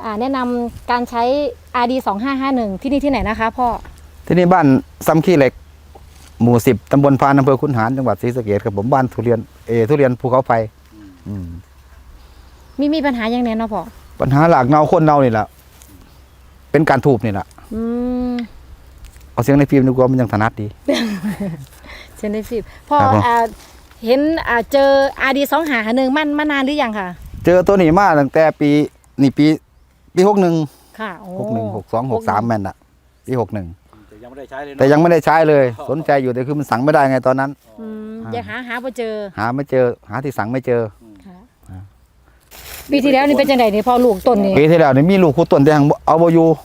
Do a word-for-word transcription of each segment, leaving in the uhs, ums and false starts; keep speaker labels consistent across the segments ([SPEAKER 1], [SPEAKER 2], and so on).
[SPEAKER 1] แนะนำการใช้ อาร์ ดี สองห้าห้าหนึ่ง ที่นี่ที่ไหนนะคะพ่อ
[SPEAKER 2] ที่นี่บ้านซ้ำขี้เหล็กหมู่สิบตำบลพานอำเภอขุนหารจังหวัดศรีสะเกษครับผมบ้านทุเรียนเอทุเรียนภูเขาไฟ
[SPEAKER 1] มีมีปัญหาอย่างแน่เนาะพ่อ
[SPEAKER 2] ปัญหาหลักเนาคนเนานี่แหละเป็นการทูบนี่แหละเอาเสียงในฟิล์มดีกว่ามันยังถนัดดี
[SPEAKER 1] เสียงในฟิล์มพ่อเห็นเจอ อาร์ ดี สองห้าห้าหนึ่งมันมานานหรือยังค่ะ
[SPEAKER 2] เจอตัวนี้มาตั้งแต่ปีนี่ปีปีหกหนึ่ง
[SPEAKER 1] ค่ะ
[SPEAKER 2] หกหนึ่งหกสองหกสามแม่นอะปีหกหนึ่ง
[SPEAKER 3] แต่ยังไม่ได้ใช้เลย
[SPEAKER 2] แต่ยังไม่ได้ใช้เลยสนใจอยู่แต่คือมันสั่งไม่ได้ไงตอนนั้น
[SPEAKER 1] ยังหาหาไม่เจอ
[SPEAKER 2] หาไม่เจอหาที่สั่งไม่เจอ
[SPEAKER 1] ปีที่แล้วนี่เป็นจังไดนี่พอลูกต้นนี่
[SPEAKER 2] ปีที่แล้วนี่มีลูกคู่ต้นแต่ยังเอาบ่อยู่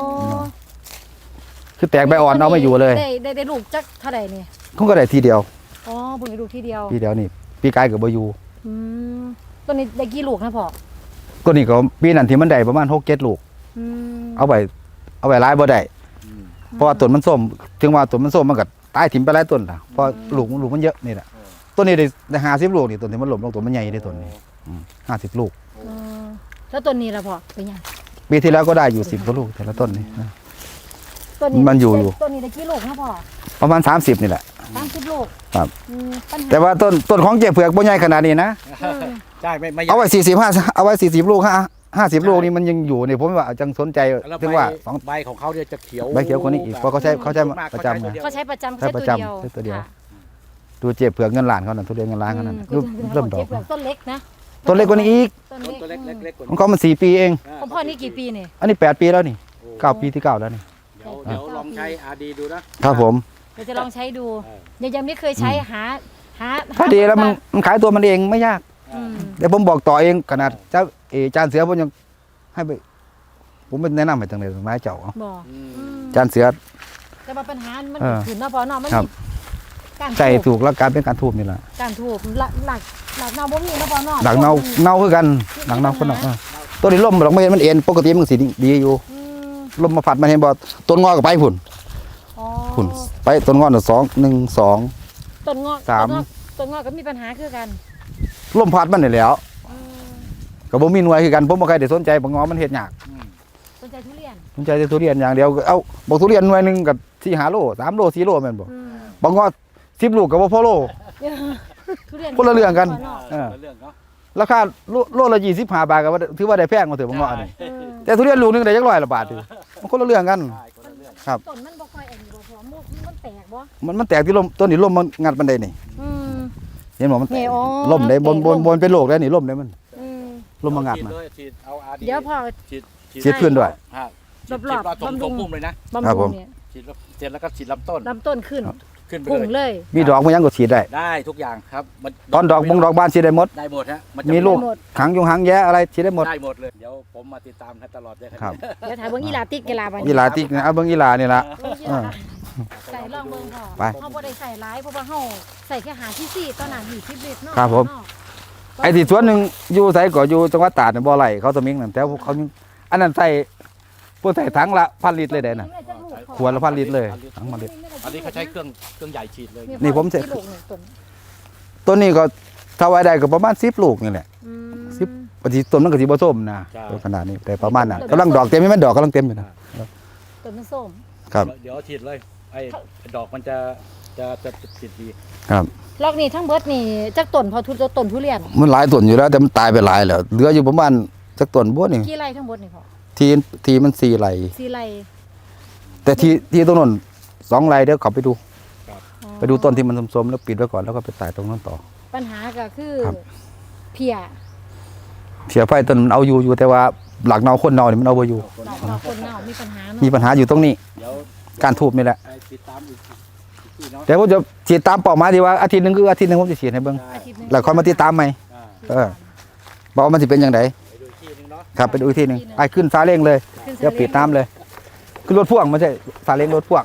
[SPEAKER 2] คือแตกใบอ่อนเอาไม่อยู่เลย
[SPEAKER 1] ได้ได้ได้ลูกจักเท่าไหร่นี่
[SPEAKER 2] เขาก็ได้ทีเดียว
[SPEAKER 1] อ๋อบุญลูกทีเดียว
[SPEAKER 2] ทีเดียวนี่ปีกายกับบ่อยู่
[SPEAKER 1] ต้นนี้ได้กี่ลูกนะพ่อ
[SPEAKER 2] ต้นนี้ก็ปีนั้นที่มันได้ประมาณหกเจ็ดลูกเอาไปเอาไปร้ายบ่ได้เพราะว่าต้นมันส้มถึงว่าต้นมันส้มมันก็ตายถิ่มไปหลายต้นล่ะเพราะลูกลูกมันเยอะนี่แหละต้นนี้ได้ห้าสิบลูกนี่ต้นที่มันหล่มลงต้นมันใหญ่ได้ต้นนี้ห้าสิบลูก
[SPEAKER 1] แล้วต้นนี้ล่ะพ่อเป็นยัง
[SPEAKER 2] ปีที่แล้วก็ได้อยู่สิบกว่าลูกแต่ละต้นนี่มันอยู่อยู่
[SPEAKER 1] ต้นนี้ได้กี่ลูกนะพ่อ
[SPEAKER 2] ประมาณสามสิบนี่แหละ
[SPEAKER 1] สามสิบลูก
[SPEAKER 2] ครับแต่ว่าต้นต้นของเจ๊เผือกบ่ใหญ่ขนาดนี้นะ
[SPEAKER 3] ใช่ไม่ไม่
[SPEAKER 2] เอาไว้สี่สิบห้าเอาไว้สี่สิบลูกห้าห้าสิบลูกนี่มันยังอยู่นี่ผมว่าจังสนใจถึงว่า
[SPEAKER 3] สองใบของเขาเนี่ยจะเขียว
[SPEAKER 2] ใบเขียวคนนี้อีกเพราะเขาใช้เขาใช้ประจำไง
[SPEAKER 1] เขาใช้ประจำ
[SPEAKER 2] ใช้ประจำใช้ตัวเดียวดูเจ๊เผือกเงินล้านเขานั่นทุเรียนเงินล้านเขานั่นเริ่มดอก
[SPEAKER 1] ต้นเล็กนะ
[SPEAKER 2] ต้นเล็กกว่านี้อีก
[SPEAKER 3] ต้นเล็กๆ
[SPEAKER 2] ของเขามันสี่ปีเอง
[SPEAKER 1] ของพ่อนี่กี่ปีเนี่ย
[SPEAKER 2] อันนี้แปดปีแล้วนี่เก้าปีที่เก้าแล้วนี่
[SPEAKER 3] เดี๋ยวเดี๋ยวลองใช้ อาร์ ดี ดูนะครับ
[SPEAKER 2] ผม
[SPEAKER 1] เดี๋ยวจะลองใช้ดูยังยังไม่เคยใช้หาหา
[SPEAKER 2] พอดีแล้วมันมันขายตัวมันเองไม่ยากเดี๋ยวผมบอกต่อเองขนาดเจ้าเอจานเสือผมยังให้ไปผมเป็นแนะนำให้ตั้งแต่ไม้เจ้า
[SPEAKER 1] บอก
[SPEAKER 2] จานเสือ
[SPEAKER 1] แต่ว่าปัญหามันถึงนอพอนอมัน
[SPEAKER 2] การใจถูกแล้วการเป็นการทูบนี่แหละ
[SPEAKER 1] การทูบหลักหลักหลักเน่าบ่มีนอพอนอ
[SPEAKER 2] หลักเน่าเน่าคือกันหลักเน่าคนเน่าตัวนี้ล่มหลักไม่เห็นมันเอ็นปกติมันสีดีอยู่ลมมาผัดมาเห็นบ่ต้นงอกับไปผุ่นผุ่นไปต้นงอหนึ่งสองหนึ่งสอง
[SPEAKER 1] ต้นงอ
[SPEAKER 2] สาม
[SPEAKER 1] ต้นงอก็มีปัญหาคือกัน
[SPEAKER 2] ลมพัดมันนี่แล้วกับบ่มีหน่วยคือกันผมบ่ใครได้สนใจบ่งอมันเฮ็ดยาก
[SPEAKER 1] สนใจทุเรียน
[SPEAKER 2] สนใจทุเรียนอย่างเดียวเอาบอกทุเรียนหน่วยนึงกับสี่ห้าโลสามโลสี่โลแม่นบ่บ่งอสิบลูกกับบ่พอโลคนละเรื่องกันราคาโลละยี่สิบห้าบาทก็ถือว่าได้แพงกว่าถือบ่งอนี่แต่ทุเรียนลูกนึงได้จักร้อยละบาทถือมันคนละเรื่องกันครับ
[SPEAKER 1] ต้นมันบ่ค่อยอันนี้บ่พอมันแตกบ่
[SPEAKER 2] มันมันแตกที่ลมต้นนี้ลมมันงัดมันได้นี่เห็นบ่มันแตกลมได้บนบนบนเป็นโรคได้นี่ลมได้มันลมมางัดมัน
[SPEAKER 1] เดี๋ยวพอ
[SPEAKER 2] ฉีดพื้นด้วย
[SPEAKER 1] รอบๆ
[SPEAKER 3] บำรุงพุ่มเลย
[SPEAKER 2] นะครับผม
[SPEAKER 3] ฉีดเสร็จแล้วก็ฉีดลำต้น
[SPEAKER 1] ลำต้นขึ้น
[SPEAKER 3] ขึ้นไป
[SPEAKER 1] เลย
[SPEAKER 2] มีดอกมันยังก็ฉีดได้
[SPEAKER 3] ได้ทุกอย่างครับ
[SPEAKER 2] ตอนดอกบงดอกบานฉีดได้หมด
[SPEAKER 3] ได้หมดฮะ
[SPEAKER 2] มีลูกหางยงหางแย้อะไรฉีดได้หมด
[SPEAKER 3] ได้หมดเลยเดี๋ยวผมมาติดตามให้ตลอดเลย
[SPEAKER 2] ครับ
[SPEAKER 1] เดี๋ยวถ่ายเบิ้งอีลาติกกีฬาไป
[SPEAKER 2] อีลาติกนะเอาเบิ้งอีลานี่ละ
[SPEAKER 1] ใส่ลองเบิ้งพอเขาบ่ได้ใส่ร้ายเพราะว่าเขาใส่แค่หาที่สี่ตอนนั้นอยู่ที่เบ็ดเนาะ
[SPEAKER 2] ครับผมไอ้ที่ส่วนหนึ่งอยู่ใส่ก่ออยู่จังหวัดตราดเนี่ยบ่อไหลเขาสมิงนั่นแต่เขาอันนั้นใส่พวกใส่ถังละพันลิตรเลยเด่นขวดละพันลิตรเลยถังพันลิตร
[SPEAKER 3] อันนี้เขาใช้เครื่องเครื่องใหญ่ฉีดเลย
[SPEAKER 2] นี่ผมใช้ต้นนี้ก็ถ้าไว้ได้ก็ประมาณสิบลูกนี่แหละสิบปฏิต้นมันก็สีผสมนะขนาดนี้แต่ประมาณนั้นกำลังดอกเต็มไม่แม่ดอกกำลังเต็มอยู่นะ
[SPEAKER 1] ต้นมันส้ม
[SPEAKER 2] ครับ
[SPEAKER 3] เดี๋ยวฉีดเลยไอ้ดอกมันจะจะจะฉีดดี
[SPEAKER 2] ครับ
[SPEAKER 1] ลอกนี่ทั้งเบิดนี่จักต้นพอทุต้นทุเรียน
[SPEAKER 2] มันหลายต้นอยู่แล้วแต่มันตายไปหลายแล้วเหลืออยู่ประมาณจักต้นบัวนี่
[SPEAKER 1] กี่ไร่ทั้งหมดนี่พอ
[SPEAKER 2] ทีทีมันสี่ไร่
[SPEAKER 1] สี่ไร่
[SPEAKER 2] แต่ทีที่ตรงนั้นสองไร่เดี๋ยวขับไปดูไปดูต้นที่มันสมๆแล้วปิดไว้ก่อนแล้วก็ไปตายตรงนั้นต่อ
[SPEAKER 1] ปัญหาก็คือเพีย
[SPEAKER 2] เพียไฟต้นมันเอาอยู่อยู่แต่ว่าหลักเนาคนเนาเนี่ยมันเอาไปอยู่
[SPEAKER 1] คนเนามีปัญหา
[SPEAKER 2] มีปัญหาอยู่ตรงนี้การทูบนี่แหละแต่ผมจะฉีดตามเป้าหมายที่ว่าอาทิตย์หนึ่งคืออาทิตย์หนึ่งผมจะฉีดให้เบิ้งแล้วค่อยมาติดตามใหม่เออบอกว่ามันจะเป็นยังไงครับไปดูอีกทีหนึ่งไอ้ขึ้นซาเล้งเลยเดี๋ยวปิดน้ำเลยคือรถพ่วงไม่ใช่ซาเล้งรถพ่วง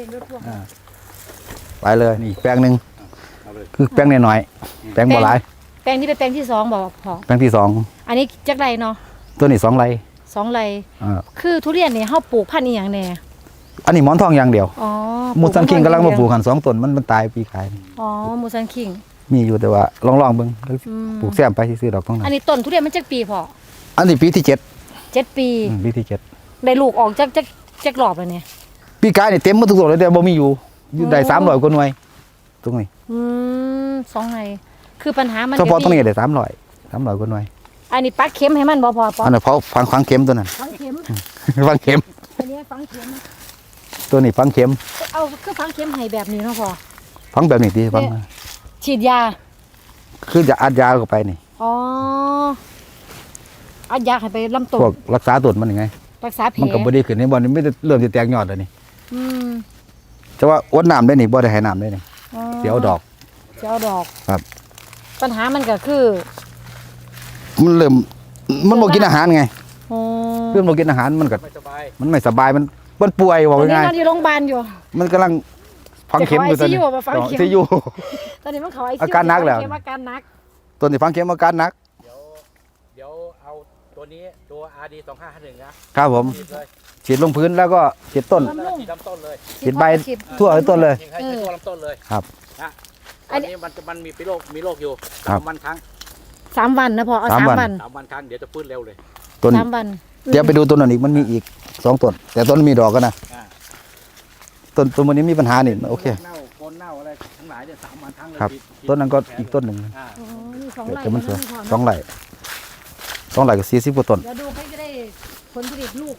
[SPEAKER 2] ไปเลยนี่แปลงหนึ่งคือแปลงหน่อยๆแปลงบ่หลาย
[SPEAKER 1] แปลงนี้เป็นแปลงที่สองบอกพอ
[SPEAKER 2] แปลงที่สอง
[SPEAKER 1] อันนี้จักไรเนาะ
[SPEAKER 2] ตัวนี้สองไร
[SPEAKER 1] สองไรคือทุเรียนเนี่ยเขาปลูกพันธุ์อีหยังแน่
[SPEAKER 2] อันนี้หมอนทองอย่างเดียว
[SPEAKER 1] อ๋อ
[SPEAKER 2] มูซันคิงกำลังมาปลูกหันสองต้นมันมันตายปีกาย
[SPEAKER 1] อ๋อมูซันคิง
[SPEAKER 2] มีอยู่แต่ว่าลองลองเบิ้งปลูกแซมไปซื้อดอกต้องนั้น
[SPEAKER 1] อันนี้ต้นทุเรียนมันจักปีพอ
[SPEAKER 2] อันนี้ปีที่เจ็ด
[SPEAKER 1] เจ็ดปี
[SPEAKER 2] อืมปีที่เจ็ด
[SPEAKER 1] ได้ลูกออกจากจากจากรอบแล้วเนี่ย
[SPEAKER 2] ปีกายนี่เต็มหมดทุกตัวเลยแต่บ่มีอยู่อยู่ได้
[SPEAKER 1] โอ้
[SPEAKER 2] สามร้อยกว่าหน่วยตรงนี้
[SPEAKER 1] อืมสองไงคือปัญหามัน
[SPEAKER 2] เฉพาะ
[SPEAKER 1] จะ
[SPEAKER 2] ตรงนี้ได้สามร้อยสามร้อยกว่าหน่วย
[SPEAKER 1] อันนี้ปักเข็มให้มันบ่พอปอ
[SPEAKER 2] อันนั้นเพราะฟังฟังเข็มตัวนั้น
[SPEAKER 1] ฝังเข็ม
[SPEAKER 2] ฟังเข็ม
[SPEAKER 1] อันนี้ฝังเข็ม
[SPEAKER 2] ตัวนี้ฟังเข็ม
[SPEAKER 1] เอาคือฝังเข็มให้แบบนี้เนาะพอ
[SPEAKER 2] ฟังแบบนี้ดีฟัง
[SPEAKER 1] เนี่ย ฉีดยา
[SPEAKER 2] คือจะอัดยาเข้าไปนี่
[SPEAKER 1] อ๋อเอายาให้ไปลำต้น
[SPEAKER 2] พวกรักษาต้นมันยังไง
[SPEAKER 1] รักษาแผล
[SPEAKER 2] มันก็บ่ดีขึ้นในบ่อนนี่ไม่ได้เริ่มจะแตกยอดแล้วนี่
[SPEAKER 1] อืม
[SPEAKER 2] แต่ว่าอดน้ำได้นี่บ่ได้ให้น้ำได้นี่
[SPEAKER 1] อ๋อ
[SPEAKER 2] เสียวดอก
[SPEAKER 1] เสียวดอก
[SPEAKER 2] ครับ
[SPEAKER 1] ปัญหามันก็คือ
[SPEAKER 2] มันเริ่มมันบ่กินอาหารไง
[SPEAKER 1] อ๋อ
[SPEAKER 2] เพื่อนบ่กินอาหารมันก็
[SPEAKER 3] ไม่สบาย
[SPEAKER 2] มันไม่สบายมันมันป่วยว่า
[SPEAKER 1] ตอนนี้
[SPEAKER 2] ง่าย
[SPEAKER 1] นอนอยู่โรงพยาบาลอยู่
[SPEAKER 2] ๆมันกำลังฟังเข็มอยู่ตอนนี้
[SPEAKER 1] จะเข้า ไอ ซี ยู บ่ฟังเข็ม
[SPEAKER 2] ซียู
[SPEAKER 1] ตอนนี้มันเขาไอ
[SPEAKER 2] อาการหนักแล้ว
[SPEAKER 1] อาการหนัก
[SPEAKER 2] ตัวนี้ฟังเข็มอาการหนัก
[SPEAKER 3] เดี๋ยวเดี๋ยวเอาตัวนี้ตัว อาร์ ดี สองห้าห้าหนึ่งนะครับ
[SPEAKER 2] ผม
[SPEAKER 3] ฉีดเลย
[SPEAKER 2] ฉีดลงพื้นแล้วก็ฉีดต้น
[SPEAKER 1] บำรุง
[SPEAKER 3] ฉีดลำต้นเลย
[SPEAKER 2] ฉีดใบ
[SPEAKER 1] ฉีด
[SPEAKER 2] ทั่วทั้งต้นเลย
[SPEAKER 3] ฉีดให้ให้ทั่วลำต้นเลย
[SPEAKER 2] ครับ
[SPEAKER 3] นะ
[SPEAKER 1] อั
[SPEAKER 3] อั
[SPEAKER 1] น
[SPEAKER 3] น
[SPEAKER 1] นี้
[SPEAKER 3] นี้มันจะมันมีโรคมีโรคอยู่
[SPEAKER 2] ครั
[SPEAKER 3] สา
[SPEAKER 2] บ
[SPEAKER 3] มวันครั้ง
[SPEAKER 1] สามวันนะพอเอา
[SPEAKER 2] สาม
[SPEAKER 1] สาม
[SPEAKER 2] วัน
[SPEAKER 1] วัน
[SPEAKER 3] สามวันครั้งเดี๋ยวจะฟื้นเร็วเลย
[SPEAKER 2] ต้น
[SPEAKER 1] สามวัน
[SPEAKER 2] เดี๋ยวไปดูต้นนั้นอีกมันมีอีกสองต้นแต่ต้นมีดอกกันนะ
[SPEAKER 3] อ่า
[SPEAKER 2] ต้นต้นมันนี้มีปัญหานี่โอเค
[SPEAKER 3] เน่าโคนเน่าอะไรทั้งหลายเนี่ยสามวันครั้งเลย
[SPEAKER 2] ครับ
[SPEAKER 3] ฉีดฉีด
[SPEAKER 2] ต้นนั้นก็อีกต้นหนึ่ง
[SPEAKER 3] อ่า
[SPEAKER 1] อ๋อนี่สอง
[SPEAKER 2] เดี๋ยว
[SPEAKER 1] ไร่
[SPEAKER 2] แต่มันสวย
[SPEAKER 1] พอ
[SPEAKER 2] สองไร่สองไร่กับสี่สิบกว่าต้น
[SPEAKER 1] เดี๋ยวดูให้จะได้ผลผลิตลูก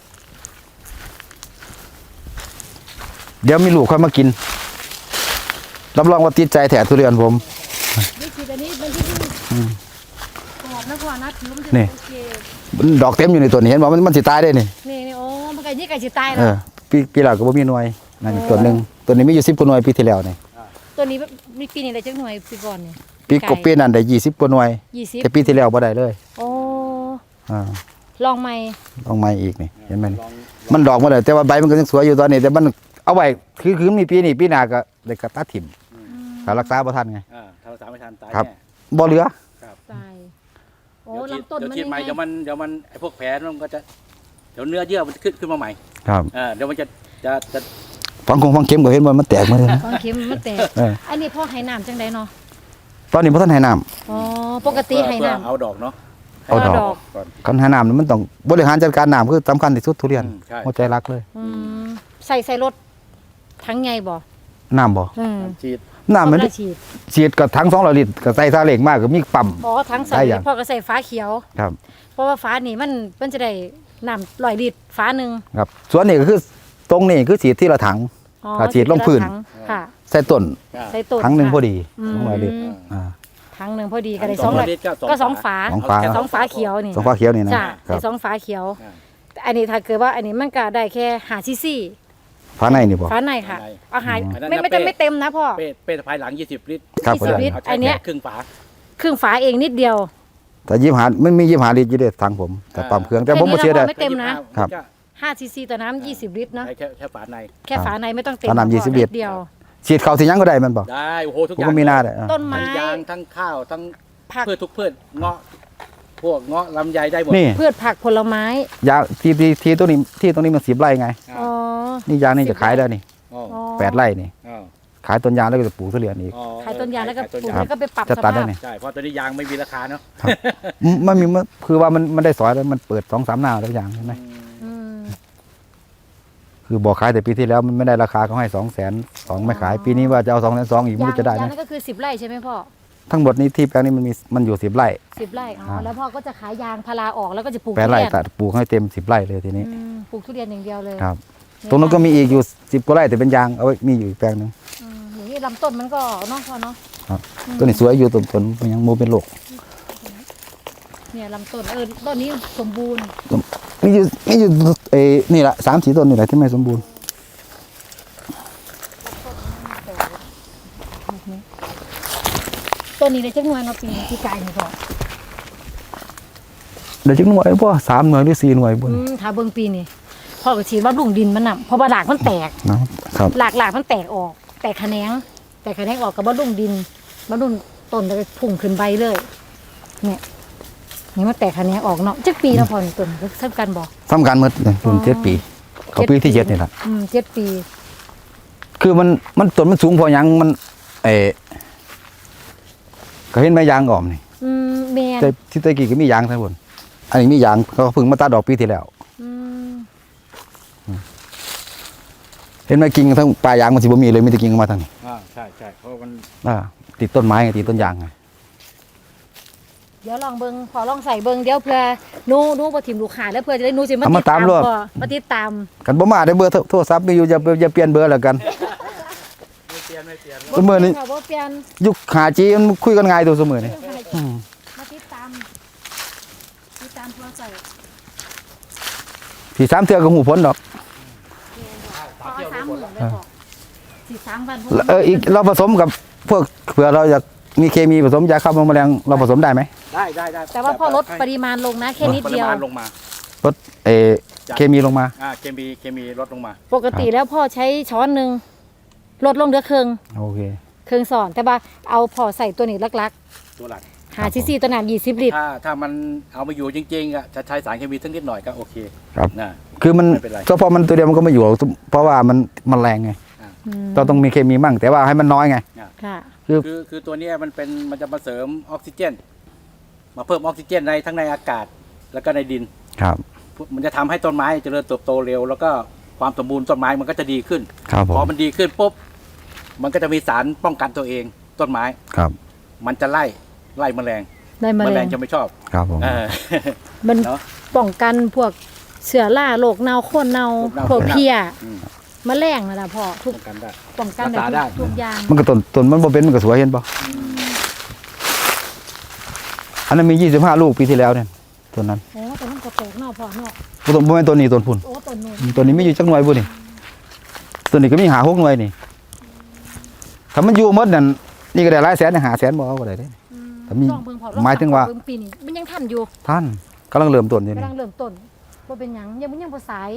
[SPEAKER 2] เดี๋ยวมีลูกค่อยมากินรับรองว่าติดใจแถทุเรียนผม
[SPEAKER 1] นี่ฉีดอันนี้มันที่ที่กรอบนะพอนะผิวมันจะ
[SPEAKER 2] นี่
[SPEAKER 1] โอเค
[SPEAKER 2] ดอกเต็มอยู่ในตัวนี้เห็นบอกมันมันสิตายได้นี่
[SPEAKER 1] นี่นี่โอ้มันไก่นี่ไก่สิตาย
[SPEAKER 2] เอ
[SPEAKER 1] แล้ว
[SPEAKER 2] อปีปีหลังก็บ่มีหน่วยนั่นอีกต้นหนึ่งต้นนี้มีอยู่สิบกว่าหน่วยปีที่แล้วนี่
[SPEAKER 1] ตัวนี้มีปีนี้ได้จักหน่วยปีก่อนนี่
[SPEAKER 2] ปีกบปีนั้นได้ยี่สิบกว่าหน่วย
[SPEAKER 1] ยี่สิบ
[SPEAKER 2] แต่ปีที่แล้วบ่ได้เลย
[SPEAKER 1] โอ้
[SPEAKER 2] อ่า
[SPEAKER 1] ลองใหม่
[SPEAKER 2] ลองใหม่อีกนี่เห็นไหมนี่
[SPEAKER 3] ลอง
[SPEAKER 2] มันดอกมาเลยแต่ว่าใบมันก็ยังสวยอยู่ตอนนี้แต่มันเอาไว้คือคือมีปีนี้ปีหน้าก็ได้กระตัดถิ่มถ้ารักษาบ่ทันไง
[SPEAKER 3] อ่าถ้ารักษาไม่ทันตาย
[SPEAKER 2] ครับ
[SPEAKER 3] แน่
[SPEAKER 2] บ่เหลือ
[SPEAKER 1] ตายโอ้
[SPEAKER 3] เดี๋ยวฉีด
[SPEAKER 1] ลำต้น
[SPEAKER 3] เดี๋ยว
[SPEAKER 1] มัน
[SPEAKER 3] ฉีดใหม่
[SPEAKER 1] ยังไง
[SPEAKER 3] เดี๋ยวมันเดี๋ยวมันไอ้พวกแผลมันก็จะเดี๋ยวเนื้อเยื่อมันจะขึ้นขึ้นมาใหม่
[SPEAKER 2] ครับ
[SPEAKER 3] อ่าเดี๋ยวมันจะจะจะ
[SPEAKER 2] ฟังคงฟังเข็มก็เห็นว่ามันแตกมาเลยนะ
[SPEAKER 1] ความเค็มมันแตก
[SPEAKER 2] เออ
[SPEAKER 1] อันนี้พ่อให้น้ำจังไดเนาะ
[SPEAKER 2] ตอนนี้บ่ทันให้น้ำ
[SPEAKER 1] อ๋อปกติให้
[SPEAKER 3] เพื่อ
[SPEAKER 1] น้ำ
[SPEAKER 3] เอาดอกเนาะ
[SPEAKER 2] เอาดอก
[SPEAKER 1] เอาดอก
[SPEAKER 3] ก่อน
[SPEAKER 2] คันให้น้ำนี่มันต้องบริหารจัดการน้ำคือสำคัญที่สุดทุเรียน
[SPEAKER 3] อืมใช่
[SPEAKER 2] หัวใจรักเลย
[SPEAKER 1] อืมใส่ใส่รถทั้งไงบ่
[SPEAKER 2] น้ำบ่
[SPEAKER 1] อืม
[SPEAKER 3] ฉีด
[SPEAKER 2] น้ำมัน
[SPEAKER 1] พ่อก็ฉีด
[SPEAKER 2] ฉีดกับถังสองร้อยลิตรกับใส่ซาเล็กมากก็มีปั๊ม
[SPEAKER 1] อ๋อทั้งใส่
[SPEAKER 2] ได้ยัง
[SPEAKER 1] พ่อก็ใส่ฟ้าเขียว
[SPEAKER 2] ครับ
[SPEAKER 1] เพราะว่าฟ้านี่มันมันจะได้น้ำร้อยลิตรฟ้าหนึ่ง
[SPEAKER 2] ครับส่วนนี้ก็คือตรงนี้คือฉีดที่ละถัง
[SPEAKER 1] อ๋อ
[SPEAKER 2] ถ้าฉีดลงพื้น
[SPEAKER 1] ถัค่ะ
[SPEAKER 2] ใส่ต้น
[SPEAKER 3] อ่า
[SPEAKER 1] ใส่ต้น
[SPEAKER 2] ถังหนึ่ง
[SPEAKER 1] ค่ะ
[SPEAKER 2] พอดี
[SPEAKER 1] อืม
[SPEAKER 2] สองร้อยลิตรอ่า
[SPEAKER 1] ถังหนึ่งพอดีก็ได้
[SPEAKER 3] ถัง
[SPEAKER 1] สองร้อย
[SPEAKER 3] ลิตร
[SPEAKER 1] ก็สองฝา
[SPEAKER 2] สองฝา
[SPEAKER 1] สองฝาเขียวนี่
[SPEAKER 2] สองฟ้าเขียวนี่นะ
[SPEAKER 1] จ้ะ
[SPEAKER 2] ครั
[SPEAKER 1] ได้
[SPEAKER 2] บ
[SPEAKER 1] สองฝาเขียว
[SPEAKER 3] อ่า
[SPEAKER 1] แต่อันนี้ถ้าเกิดว่าอันนี้มันก็ได้แค่หาซีซี
[SPEAKER 2] ฟ้าในนี่บ่
[SPEAKER 1] ฝาในค่ะ
[SPEAKER 3] ฝาใน
[SPEAKER 1] เอาหา
[SPEAKER 3] อันนั้น
[SPEAKER 1] ไม่
[SPEAKER 3] นะ
[SPEAKER 1] ไม่จะ
[SPEAKER 3] เป้
[SPEAKER 1] ไม่เต็มนะพ่อ
[SPEAKER 3] เป้เป้สะพายหลังยี่สิบลิตร
[SPEAKER 2] ครับ
[SPEAKER 1] ยี่สิบลิตร
[SPEAKER 3] เอาใช้
[SPEAKER 1] อันเนี้ย
[SPEAKER 3] แค่ครึ่งฝา
[SPEAKER 1] ครึ่งฝาเองนิดเดียว
[SPEAKER 2] แต่ยี่ห้าไม่มียี่ห้าลิตรอยู่เด้ถังผมแต่ปั๊มเครื่องแต่ผมบ่เชื่อได้
[SPEAKER 1] ไม่เต็มนะ
[SPEAKER 2] ครับ
[SPEAKER 1] ห้าซีซีต่อน้ำยี่สิบลิตรเนาะ
[SPEAKER 3] ใช้แค่แค่ฝาใน
[SPEAKER 1] แค่ฝาในไม่ต้องเต็ม
[SPEAKER 2] ฝาน้ำ
[SPEAKER 1] พ่อ
[SPEAKER 2] ยี่สิบลิตร
[SPEAKER 1] นิดเดียว
[SPEAKER 2] ฉีดเข้าที่หยังก็ได้แมันบ่
[SPEAKER 3] ได้โอ้โหทุก
[SPEAKER 2] ผม
[SPEAKER 3] อย่าง
[SPEAKER 2] ก็มีหน้าได้อ่า
[SPEAKER 1] ต้นไม้
[SPEAKER 3] ทั้งยางทั้งข้าวทั้ง
[SPEAKER 1] ผัก
[SPEAKER 3] พืชทุกพืชเงาะพวกเงาะลำไยได้หมด
[SPEAKER 2] นี่
[SPEAKER 1] พืชผักผลไม้
[SPEAKER 2] ยางที่ที่ที่ตรงนี้ที่ตรงนี้มันสิบไร่ไง
[SPEAKER 1] อ๋อ
[SPEAKER 2] นี่ยางนี่จะขายได้นี่
[SPEAKER 3] อ๋อ
[SPEAKER 1] อ๋อ
[SPEAKER 2] แปดไร่นี่
[SPEAKER 3] อ๋อ
[SPEAKER 2] ขายต้นยางแล้วก็จะปลูกทุเรียนอีก
[SPEAKER 3] อ๋อ
[SPEAKER 1] ขายต้นยางแล้วก็
[SPEAKER 3] ข
[SPEAKER 1] ปลูก
[SPEAKER 3] ยาง
[SPEAKER 1] แล้วก็ไปปรับ
[SPEAKER 2] จะ
[SPEAKER 1] ส
[SPEAKER 2] ตัดได้
[SPEAKER 1] ภาพ
[SPEAKER 2] นี่
[SPEAKER 3] ใช่เพราะตอนนี้ยางไม่มีราคาเนาะ
[SPEAKER 2] อืมมันมีมันคือว่ามันมันได้สอยแล้วมันเปิดสองสามหน้าแล้วอย่างใช่ไหม
[SPEAKER 1] อืม
[SPEAKER 2] คือบอกขายแต่ปีที่แล้วมันไม่ได้ราคาเขาให้สองแสนสองไม่ขายปีนี้ว่าจะเอาสองแสนสองอีกไม่
[SPEAKER 1] ยาง
[SPEAKER 2] รู้จะได้
[SPEAKER 1] ยาง
[SPEAKER 2] ไหม
[SPEAKER 1] นั่นก็คือสิบไร่ใช่ไหมพ่อ
[SPEAKER 2] ทั้งหมดนี้ที่แปลงนี้มันมีมันอยู่สิบไร่
[SPEAKER 1] สิบไร่อ๋อ
[SPEAKER 2] ครับ
[SPEAKER 1] แล้วพ่อก็จะขายยางพาราออกแล้วก็จะปลูก
[SPEAKER 2] แปด
[SPEAKER 1] ทุ
[SPEAKER 2] ไร่
[SPEAKER 1] เรียน
[SPEAKER 2] ตัดปลูกให้เต็มสิบไร่เลยทีนี้
[SPEAKER 1] อืมปลูกทุเรียนอย่างเดียวเลย
[SPEAKER 2] ครับ ตรงนั้นก็มีอีกอยู่สิบกว่าไร่แต่เป็นยางเอาไว้มีอยู่อีกแปลงหนึง
[SPEAKER 1] อืมอย่างนี้ลำต้นมันก็เนาะพ่อเนาะ
[SPEAKER 2] ครับ
[SPEAKER 1] อืม
[SPEAKER 2] ต้นนี้สวยอยู่ต้นต้นมันยังโมเป็นโลก
[SPEAKER 1] เนี่ยลำต้นเออต้นนี้สมบูรณ์
[SPEAKER 2] มีอยู่มีอยู่เอ้นี่แหละสามสี่ต้นนี่แหละที่ไม่สมบูรณ์
[SPEAKER 1] ต้นนี้ได้จักหน่วยเนาะปีนี้ที่กายนี่พ่อ
[SPEAKER 2] เดี๋ยวจักหน่วยบ่สามหน่วยหรือสี่หน่วยบ
[SPEAKER 1] อื
[SPEAKER 2] น
[SPEAKER 1] มถ้าเบิ่งปีนี้พ่อก็ฉีดว่าลุงดินมันน่ะเพราะว่าหลากมันแตก
[SPEAKER 2] นะครับ
[SPEAKER 1] หลากหลากมันแตกออก แตกแขนงแตกแขนงออกกับบ่ลุงดินบ่ลุงต้นแล้วก็พุ่งขึ้นใบเลย เนี่ยนี่มันแตกแขนงออกเนาะจักปีแล้วพ่อนี่ต้นสำคัญบ่
[SPEAKER 2] สำคัญหมดเลยรุ่นเจ็ดปี เขาปีที่เจ็ดนี่แหละ
[SPEAKER 1] อืมเจ็ดปี
[SPEAKER 2] คือมันมันต้นมันสูงพอหยังมันเออก็เห็นไหมยางอ่อมนี่
[SPEAKER 1] อืมแม่น
[SPEAKER 2] แต่ที่ตะกี้ก็มียางทั้งหมดอันนี้มียางเขาเพิ่งมาตัดดอกปีที่แล้ว
[SPEAKER 1] อืม
[SPEAKER 2] เห็นไหมกิ่งทั้งปลายยางมันสิบ่มีเลยมีแต่กิ่งมาทางนี้
[SPEAKER 3] อ่าใช่ใช่เพราะมัน
[SPEAKER 2] อ่าติดต้นไม้ไงติดต้นยางไง
[SPEAKER 1] เดี๋ยวลองเบิ่งพอลองใส่เบิ่งเดี๋ยวเพื่อหนูหนูบ่ถิ่มลูกค้าแล้วเพื่อจะได้หนูสิมา
[SPEAKER 2] เอามา
[SPEAKER 1] ติดตาม
[SPEAKER 2] ตามรวด
[SPEAKER 1] พอมาติดตาม
[SPEAKER 2] กันบ่มาได้เบอร์โทรโทรศัพท์มีอยู่อย่าอย่าเปลี่ยนเบอร์แล้วกัน
[SPEAKER 3] ไม่เปลี่ยนไม่เปลี่ยน
[SPEAKER 2] เสมอนี่
[SPEAKER 1] บ่เปลี่ยน
[SPEAKER 2] ยุคหาจีมันคุยกันง่ายตัวเสมอนี่อืม
[SPEAKER 1] มาติดตามติดตามพอใส่
[SPEAKER 2] ที่สามเทื่อก็หูผลดอก
[SPEAKER 1] พอสามหมื่นเลยพอสี่สามวันพ
[SPEAKER 2] แล้วเอออีกเราผสมกับพวกเผื่อเราอยากมีเคมีผสมยาฆ่าแมลงเราผสมได้ไหม
[SPEAKER 3] ได้ได้ได้
[SPEAKER 1] แต่ว่าพอลดปริมาณลงนะแค่นิดเดียว
[SPEAKER 3] ปริมาณลงมา
[SPEAKER 2] ลดเออเคมีลงมา
[SPEAKER 3] อ่าเคมีเคมีลดลงมา
[SPEAKER 1] ปกติแล้วพ่อใช้ช้อนหนึ่งลดลงเหลือครึ่ง
[SPEAKER 2] โอเค
[SPEAKER 1] ครึ่งสอนแต่ว่าเอาพอใส่ตัวนี้ลัก
[SPEAKER 3] ตัวหลัก
[SPEAKER 1] ๆหาซีซีตัวน้ำยี่สิบลิตร
[SPEAKER 3] ถ้าถ้ามันเอามาอยู่จริงๆอ่ะจะใช้สารเคมีสักนิดหน่อยก็โอเค
[SPEAKER 2] ครับ
[SPEAKER 3] นะ
[SPEAKER 2] คือมัน
[SPEAKER 3] ไม่เป็นไร
[SPEAKER 2] เฉพาะมันตัวเดียวมันก็ไม่อยู่หรอกเพราะว่ามันมันแรงไง
[SPEAKER 1] อืม
[SPEAKER 2] เราต้องมีเคมีมั่งแต่ว่าให้มันน้อยไง
[SPEAKER 1] ค่ะ
[SPEAKER 3] คือคือตัวเนี้ยมันเป็นมันจะมาเสริมออกซิเจน มาเพิ่มออกซิเจนในทั้งในอากาศแล้วก็ในดิน
[SPEAKER 2] ครับ
[SPEAKER 3] มันจะทำให้ต้นไม้เจริญเติบโตเร็ว แล้วก็ความสมบูรณ์ต้นไม้มันก็จะดีขึ้น
[SPEAKER 2] ครับผ
[SPEAKER 3] พอ
[SPEAKER 2] ม
[SPEAKER 3] มันดีขึ้นปุ๊บมันก็จะมีสารป้องกันตัวเองต้นไม้
[SPEAKER 2] ครับ
[SPEAKER 3] มันจะไล่ไล่แมลง
[SPEAKER 1] ได้มา
[SPEAKER 3] แม
[SPEAKER 1] แร
[SPEAKER 3] ล
[SPEAKER 1] ง
[SPEAKER 3] งจะไม่ชอบ
[SPEAKER 2] ครับผม
[SPEAKER 3] เออ
[SPEAKER 1] มัน
[SPEAKER 3] เนาะ
[SPEAKER 1] ป้องกันพวกเสือล่าโรคเน่าโคนเน่า
[SPEAKER 3] โรคเน่า
[SPEAKER 1] พวก
[SPEAKER 3] โคนเน่า
[SPEAKER 1] เพี้ย
[SPEAKER 3] อืม
[SPEAKER 1] แมลงนั่นแหละพ่อทุก
[SPEAKER 3] ป้องกันได้
[SPEAKER 1] ป้องกัน
[SPEAKER 3] รักษาได้
[SPEAKER 1] ทุกอย่าง
[SPEAKER 2] มันก็ต้นต้นมันบ่เป็นมันก็สวยเห็นป่ะอันนั้นมียี่สิบห้าลูกปีที่แล้วเนี่ยต้นนั้น
[SPEAKER 1] โอ้แต่มันก็แตกเนอกพ่อเนาะ
[SPEAKER 2] บ่ต้นบ่แม่นต้นนี้ต้นพุ่น
[SPEAKER 1] โอ้ต้นนู้น
[SPEAKER 2] ต้นนี้มีอยู่จักหน่วยบ่นี่ต้นนี้ก็มีหาหกหน่วยนี่ถ้ามันอยู่หมดนั่นนี่ก็ได้หลายแสนหาแสนบ่เอาก็ได้เด้
[SPEAKER 1] อื
[SPEAKER 2] แต่มี
[SPEAKER 1] ลองเบิ่งพ่อลอง
[SPEAKER 2] หมายถึงว่า
[SPEAKER 1] เบิ่ปีนี้มันยังทันอยู่
[SPEAKER 2] ท่านกำลังเริ่มต้นอยู่
[SPEAKER 1] กำ
[SPEAKER 2] นี่
[SPEAKER 1] ลังเริ่มต้นว่าเป็นหยังยังมันยังบ่สาย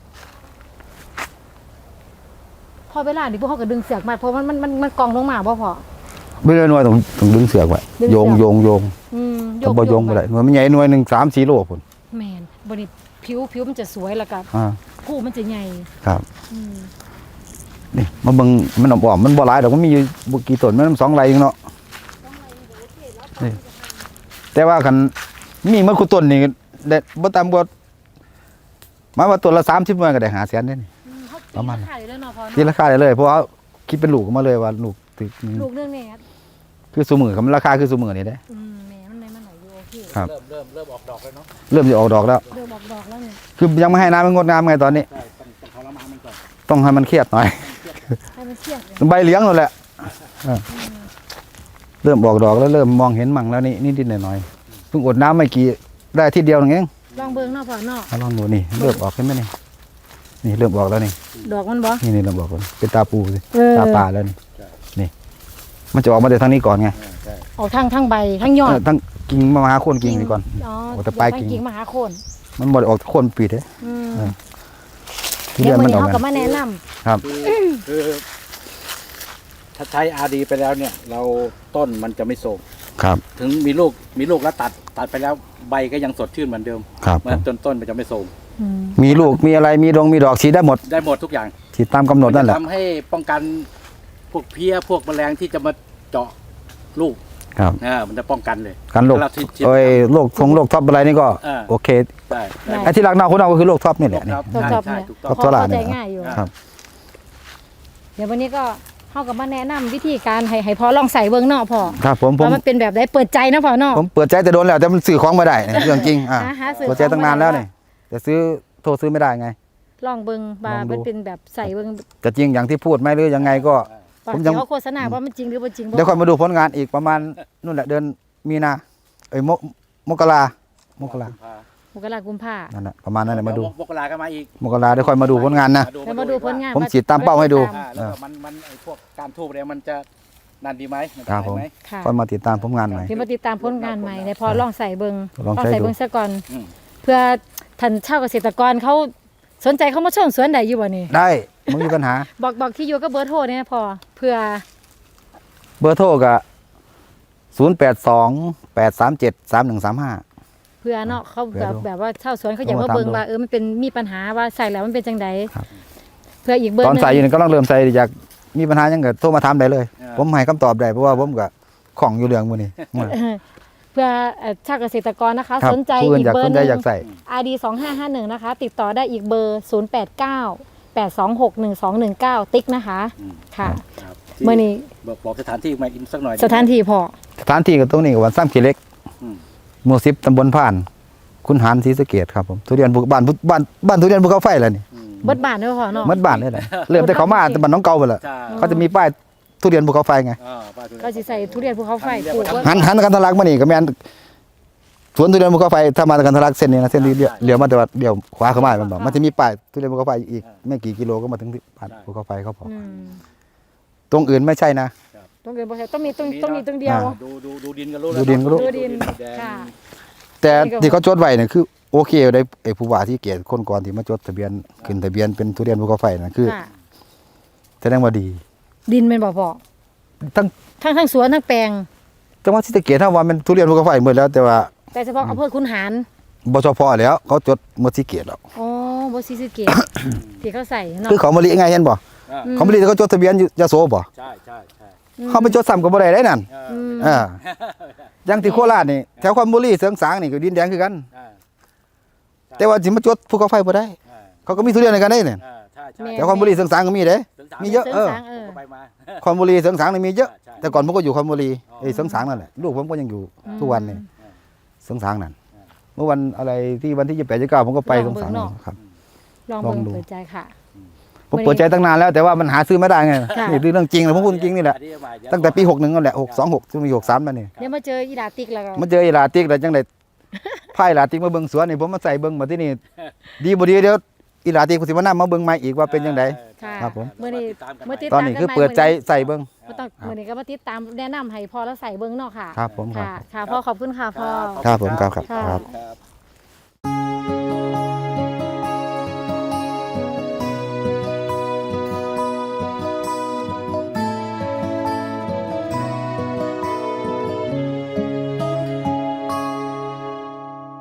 [SPEAKER 1] พอเวลาดิพวกเขาก็ดึงเสือกมาเพราะมันมันมันมันกองลงมาบ่พอ
[SPEAKER 2] ไม่ได้หน่วยต้องต้องดึงเสือกไว้
[SPEAKER 1] ดึงเสือก
[SPEAKER 2] โยงโยงโยง
[SPEAKER 1] อืม
[SPEAKER 2] ถ้าบ่โยงบ่ได้หน่วยมันใหญ่หน่วยหนึง สาม สี่โลพุ่น
[SPEAKER 1] แม่นบ่นี่ผิวผิวมันจะสวยแล้วก็
[SPEAKER 2] อ่า
[SPEAKER 1] ผู้มันจะใหญ่
[SPEAKER 2] ครับ
[SPEAKER 1] อืม
[SPEAKER 2] นี่มาเบิ่งมันอ้อมๆมันบ่หลายดอกมันมีอยู่บ่กี่ต้นมันสองไร่เองเนาะนี่แต่ว่าคันมีมันคุต้นนี่ได้บ่ต่ำกว่าหมายว่าต้นละสามสิบหน่วยก็ได้ห้าแสนเด้นี่
[SPEAKER 1] อืมเขา
[SPEAKER 2] ประมาณ
[SPEAKER 1] ขายได้แล้วเนาะพอ
[SPEAKER 2] ที่
[SPEAKER 1] เนาะ
[SPEAKER 2] ราคาได้เลยเพราะว่าคิดเป็นลูกออกมาเลยว่าลูกตึกนี่
[SPEAKER 1] ลูกนึงเนี่ย
[SPEAKER 2] คือซุมื้อครับราคาคือซุมื้อนี่เด้
[SPEAKER 1] อืมแม่มันได้มันไหนอยู่โอเค
[SPEAKER 2] ครับ
[SPEAKER 3] เริ่มเริ่มเริ่มออกดอกแล้วเนาะ
[SPEAKER 2] เริ่มจะออกดอกแล้ว
[SPEAKER 1] เริ่มออกดอกแล้วเนี่ย
[SPEAKER 2] คือยังไม่ให้น้ำมันงดงามไงตอนนี้
[SPEAKER 3] ใช่ต้องต้องทรมานมันก่อน
[SPEAKER 2] ต้องให้มันเครียดหน่อย
[SPEAKER 1] ให้มันเที่ยงเลย
[SPEAKER 2] ใบเหลี้ยงนั่นแหละเออเริ่มออกดอกแล้วเริ่มมองเห็นมั่งแล้วนี่นิดๆหน่อยๆเพิ่งอดน้ำไม่กี่ได้อาที่เดียวนึงเอง
[SPEAKER 1] ลองเบิ่งเนาะพ่อเนาะ
[SPEAKER 2] เอาลองดูนี่เริ่มออกเห็นไหมนี่นี่เริ่มออกแล้วนี่
[SPEAKER 1] ดอกมันบ่
[SPEAKER 2] นี่นี่เริ่มออกแล้วเป็นตาปูสิ
[SPEAKER 1] เออ
[SPEAKER 2] ตาป่าแล้วนี่นี่ มันจะออกมาจากทางนี้ก่อนไง
[SPEAKER 3] เออใช่
[SPEAKER 1] ออกทางทางใบทางยอ
[SPEAKER 2] เอ
[SPEAKER 1] ด
[SPEAKER 2] อทั้งกิ่งมาหาโคนกิ่งนี่ก่อน
[SPEAKER 1] อ๋อ
[SPEAKER 2] โอ้แต่ปลายกิ่ง
[SPEAKER 1] กิ่งมาหาโคน
[SPEAKER 2] มันบ่ได้ออกโคนปีดเด้
[SPEAKER 1] อืม
[SPEAKER 2] เออ ทุ
[SPEAKER 1] เดี๋
[SPEAKER 2] เรี
[SPEAKER 1] ย
[SPEAKER 2] ย
[SPEAKER 1] วน มื้อ
[SPEAKER 2] มันออก
[SPEAKER 1] นี้เฮาก็
[SPEAKER 2] มา
[SPEAKER 1] มาแนะนำ
[SPEAKER 2] ครับ
[SPEAKER 3] คือคือถ้าใช้อาร์ดีไปแล้วเนี่ย เราต้นมันจะไม่โทรม
[SPEAKER 2] ครับ
[SPEAKER 3] ถึงมีลูกมีลูกแล้วตัดตัดไปแล้วใบก็ยังสดชื่นเหมือนเดิม
[SPEAKER 2] ครับ
[SPEAKER 3] เหมือนต้นต้นมันจะไม่โทรม
[SPEAKER 1] อืม
[SPEAKER 2] มีลูกมีอะไรมีดงมีดอกสีได้หมด
[SPEAKER 3] ได้หมดทุกอย่าง
[SPEAKER 2] ที่ตามกำหนดนั่นแห
[SPEAKER 3] มั
[SPEAKER 2] ละ
[SPEAKER 3] จะทำให้ป้องกันพวกเพี้ยพวกแมลงที่จะมาเจาะลูก
[SPEAKER 2] ครับ
[SPEAKER 3] อ่ามันจะป้องกันเลย
[SPEAKER 2] การโรค
[SPEAKER 3] เวลาที่ที่
[SPEAKER 2] โอ้ยโรคทงโรคท็อปอะไรนี่ก็
[SPEAKER 3] อ่า
[SPEAKER 2] โอเค
[SPEAKER 3] ใช่ได้
[SPEAKER 2] ไอ้ที่รักเน่าคุณเอาก็คือโรคท็อปนี่แหละนี่
[SPEAKER 3] ครับ
[SPEAKER 1] ตัว
[SPEAKER 3] ใช่
[SPEAKER 1] จอบ
[SPEAKER 3] ใช่
[SPEAKER 1] เนี่ย
[SPEAKER 3] ถูกต้
[SPEAKER 2] ครั
[SPEAKER 3] อบ ง
[SPEAKER 2] ตัวหลาน
[SPEAKER 1] เข้าใจ
[SPEAKER 2] เนี่ย
[SPEAKER 1] ง่ายอยู่
[SPEAKER 2] ครับ
[SPEAKER 1] เดี๋ยววันนี้ก็เฮาก็มาแนะนำวิธีการให้ให้พ่อลองใส่เบิ่งเนาะพ่อ
[SPEAKER 2] ครับผมผม
[SPEAKER 1] ว่ามันเป็นแบบใดเปิดใจนะพ่อเนาะ
[SPEAKER 2] ผมเปิดใจแต่โดนแล้วแต่มันซื้อของไม่ได้นี่เรื่องจริงอ่า
[SPEAKER 1] หาหาซื้อ
[SPEAKER 2] เปิดใจตั้งนานแล้วนี่แต่ซื้อโทรซื้อไม่ได้ไง
[SPEAKER 1] ลองเบิ่งว่า
[SPEAKER 2] ลองดู
[SPEAKER 1] มันเป็นแบบใส่เบิ่ง
[SPEAKER 2] จะจริงอย่างที่พูดไหมหรือยังไงก็
[SPEAKER 1] ว่า
[SPEAKER 2] ผมยัง
[SPEAKER 1] ที่เขาโฆษณาว่ามันจริงหรือบ่จริงบ่
[SPEAKER 2] เดี๋ยวค่อยมาดูผลงานอีกประมาณนู่นแหละเดือนมีนาเอ้ยมกมกรามกรา
[SPEAKER 1] มกรากุมภา
[SPEAKER 2] นั่นแหละประมาณนั้นแหละมาดู
[SPEAKER 3] มกราก็มาอีก
[SPEAKER 2] มกราเดี๋ยวค่อยมาดูผลงานนะ
[SPEAKER 1] แล้วมาดูผลงาน
[SPEAKER 2] ผมฉีดตามเป้าให้ดู
[SPEAKER 3] อ่าแล้วก็มันมันไอ้พวกการทูบเนี่ยมันจะนานดีไหมน
[SPEAKER 2] ครับ
[SPEAKER 3] ได้
[SPEAKER 2] ผม
[SPEAKER 3] ไหม
[SPEAKER 1] ค่ะ
[SPEAKER 2] ค่อยมาติดตามผลงานใหม่
[SPEAKER 1] เดี๋ยวมาติดตามผลงานใหม่ในพอลองใส่เบิ่ง
[SPEAKER 2] ลองใส่
[SPEAKER 1] ใส่
[SPEAKER 2] ดู
[SPEAKER 1] เบิ่งซะก่อน
[SPEAKER 3] อืม
[SPEAKER 1] เพื่อท่านชาวเกษตรกรเขาสนใจเข้ามาชมสวนใดอยู่บ่นี่
[SPEAKER 2] ได้ไม่มีปัญหา
[SPEAKER 1] บอกบอกที่อยู่ก็เบอร์โทรเนี่ยพอเพื่อ
[SPEAKER 2] เบอร์โทรก็ศูนย์แปดสองแปดสามเจ็ดสามหนึ่งสามห้า
[SPEAKER 1] เพื่อเนาะเขา
[SPEAKER 2] เพื่
[SPEAKER 1] แบ
[SPEAKER 2] อบ ดู
[SPEAKER 1] แบบว่าชาวสวนเขาอยาก
[SPEAKER 2] โทร
[SPEAKER 1] มา
[SPEAKER 2] มา
[SPEAKER 1] เบิ่ง
[SPEAKER 2] ถามดู
[SPEAKER 1] ว่าเออมันเป็นมีปัญหาว่าใส่แล้วมันเป็นจังได
[SPEAKER 2] ครับ
[SPEAKER 1] เพื่ออีกเบอร์
[SPEAKER 2] ตอน
[SPEAKER 1] หนึง
[SPEAKER 2] ใส่อยู่นี่ก็ต้องเริ่มใส่อยากมีปัญหายังก็โทรมาถามได้เลย ผมให้คำตอบได้เพราะว่าผมก็ของอยู่เรื่องมื้อนี้
[SPEAKER 1] เออเพื่อเอ่อชาวเกษตรกรนะคะ
[SPEAKER 2] ครับ
[SPEAKER 1] สนใจ
[SPEAKER 2] ผู้อื่น
[SPEAKER 1] อีก
[SPEAKER 2] อยาก
[SPEAKER 1] เบอ
[SPEAKER 2] ส
[SPEAKER 1] ร์
[SPEAKER 2] น
[SPEAKER 1] ห
[SPEAKER 2] ใจ
[SPEAKER 1] นึ่ง
[SPEAKER 2] อยากใส่
[SPEAKER 1] อาร์ ดี สองห้าห้าหนึ่งนะคะติดต่อได้อีกเบอร์ศูนย์ แปด เก้า แปด สอง หก หนึ่ง สอง หนึ่ง เก้าติ๊กนะคะ
[SPEAKER 3] อืม
[SPEAKER 1] ค่ะ
[SPEAKER 3] ครับ
[SPEAKER 1] เมื่อนี้
[SPEAKER 3] บอกบอกสถานที่มาอีกสักหน่อย
[SPEAKER 1] สถานที่พอ
[SPEAKER 2] สถานที่ก็ตรงนี้ก็วันซ้ำขีเล็ก
[SPEAKER 3] อืม
[SPEAKER 2] หมู่สิบตำบลผ่าน คุณหารศรีสะเกษครับผมทุเรียนภูบ้านบ้านบ้านทุเรียนภูเขาไฟแล้วนี่
[SPEAKER 3] อืม
[SPEAKER 1] เบิดบาทด้วยพอเนาะ
[SPEAKER 2] หมัดบ้านเลยแหละเริ่มแต่เขามาแต่บ้านน้องเก่าไปแล้ว
[SPEAKER 3] ใช่
[SPEAKER 2] เขาจะมีป้ายทุเรียนภูเขาไฟไง
[SPEAKER 3] อ่าป้าทุเรียน
[SPEAKER 1] ก็สิใส่ทุเรียนภูเขาไฟปลูกไว้
[SPEAKER 2] หันหันกันทะลักมานี่ก็แม่นสวนทุเรียนภูเขาไฟถ้ามากันทะลักเส้นนี้นะเส้นนี้เลี้ยวเลี้ยวมาแต่ว่าเลี้ยวขวาเข้ามามันบอกมันจะมีป้ายทุเรียนภูเขาไฟอีกไม่กี่กิโลก็มาถึงที่บ้านภูเขาไฟเขาบอก
[SPEAKER 1] อืม
[SPEAKER 2] ตรงอื่นไม่ใช่นะ
[SPEAKER 1] ต้องเกินบ่ใช่ต้องมีต้องต้องมีตรงเดียว
[SPEAKER 2] อ่า
[SPEAKER 3] ดูดูดูดินก็รู้
[SPEAKER 2] ดูดินก็รู้
[SPEAKER 1] ดูดิน
[SPEAKER 3] แดง
[SPEAKER 1] ค่ะ
[SPEAKER 2] แต่ที่เขาจดไว้เนี่ยคือโอเคได้ไอ้ผู้ว่าที่เกียรติคนก่อนที่มาจดทะเบียนขึ้นทะเบียนเป็นทุเรียนภูเขาไฟนะคือ
[SPEAKER 1] ค่ะ
[SPEAKER 2] แสดงว่าดี
[SPEAKER 1] ดินเป็นบ่พอ
[SPEAKER 2] ทั้ง
[SPEAKER 1] ทั้งทั้งสวนทั้งแปลง
[SPEAKER 2] จังหวัดศรีสะเกษถ้าว่ามันทุเรียนภูเขาไฟหมดแล้วแต่ว่า
[SPEAKER 1] แต่เฉพาะอำเภอคุนหาร
[SPEAKER 2] บชพแล้วเขาจดหมดศรีสะเกษแล้ว
[SPEAKER 1] อ๋อบ่ซีสะเกต ที่เขาใส่เนาะ
[SPEAKER 2] คือเขามะลิไงเห็นบ่
[SPEAKER 3] อ่า
[SPEAKER 1] อืม
[SPEAKER 2] เขามะลิเขาจดทะเบียนอยู่ยโสบ่
[SPEAKER 3] ใช่ใช่ใช่
[SPEAKER 2] เขาไปจดซ้ำก็บ่ได้ได้นั่น
[SPEAKER 3] เออ
[SPEAKER 1] อืม
[SPEAKER 2] อ่าอย่างที่โคราชนี่แถวคอนบุรีเสริงสางนี่ก็ดินแดงคือกัน
[SPEAKER 3] อ่า
[SPEAKER 2] แต่ว่าสิมาจดภูเขาไฟบ่ได้
[SPEAKER 3] อ่า
[SPEAKER 2] เขาก็มีทุเรียนในกันได้เนี่ย
[SPEAKER 3] อ่าใช่ใช่
[SPEAKER 1] แม่
[SPEAKER 2] แถวคอนบุรีเสริงสางก็มีเด้
[SPEAKER 3] ถึงสา
[SPEAKER 2] มีเยอะ
[SPEAKER 1] เสริมสางเออ
[SPEAKER 3] ผมก็ไปมา
[SPEAKER 2] คอนบุรีเสริงสางนี่มีเยอะ
[SPEAKER 3] ใช่
[SPEAKER 2] แต่ก่อนผมก็อยู่คอนบุรี
[SPEAKER 3] อ๋อ
[SPEAKER 2] ไอ้เสริงสางนั่นแหละลูกผมก็ยังอยู่ทุกวันนี่เสริงสางนั่น
[SPEAKER 3] อ่า
[SPEAKER 2] เมื่อวันอะไรที่วันที่ยี่สิบแปดยี่สิบเก้าผมก็ไป
[SPEAKER 1] ล
[SPEAKER 2] เส
[SPEAKER 1] อง
[SPEAKER 2] ริง
[SPEAKER 1] เบิ่
[SPEAKER 2] สาง ง
[SPEAKER 1] เนาะ
[SPEAKER 2] ครับ
[SPEAKER 1] ลอง
[SPEAKER 2] ลอง
[SPEAKER 1] เบิ่ง
[SPEAKER 2] ดู
[SPEAKER 1] เปิดใจค่ะ
[SPEAKER 2] ผมเปิดใจตั้งนานแล้วแต่ว่ามันหาซื้อไม่ได้ไง
[SPEAKER 1] ค่ะ
[SPEAKER 2] นี่คือเรื่องจริงเลยผมพูดจริงนี่แหละ
[SPEAKER 3] อันนี้มาเดี๋ยว
[SPEAKER 2] ตั้งแต่ปีหกหนึ่งนั่นแหละหกสองหกจนมีหกสามมานี่
[SPEAKER 1] เดี๋ยวมาเจออีดาติ๊กแล้วก็
[SPEAKER 2] มาเจอไอ้ลาติกแล้วจังได๋ไพ่ลาติกมาเบิ่งสวนนี่ผมมาใส่เบิ่งมาที่นี่ดีบ่ดีเดี๋ยวอีลาติกผมสิมานำมาเบิ่งใหม่อีกว่าเป็นจังได
[SPEAKER 1] ค่ะ
[SPEAKER 2] ครับผม
[SPEAKER 1] มื้อนี้
[SPEAKER 3] ติดตามกัน
[SPEAKER 1] มื้อติด
[SPEAKER 2] ตอนนี้คือเปิดใจใส่เบิ่ง
[SPEAKER 1] บ่ต้องมื้อนี้ก็มาติดตามแนะนำให้พ่อแล้วใส่เบิ่งเนาะค่ะ
[SPEAKER 2] ครับผมครับ
[SPEAKER 1] ค่ะค่ะพ่อขอบคุณค่ะพ่อ
[SPEAKER 2] ครับผมครับครับ
[SPEAKER 1] ค่ะ
[SPEAKER 2] ครับ
[SPEAKER 3] ครับ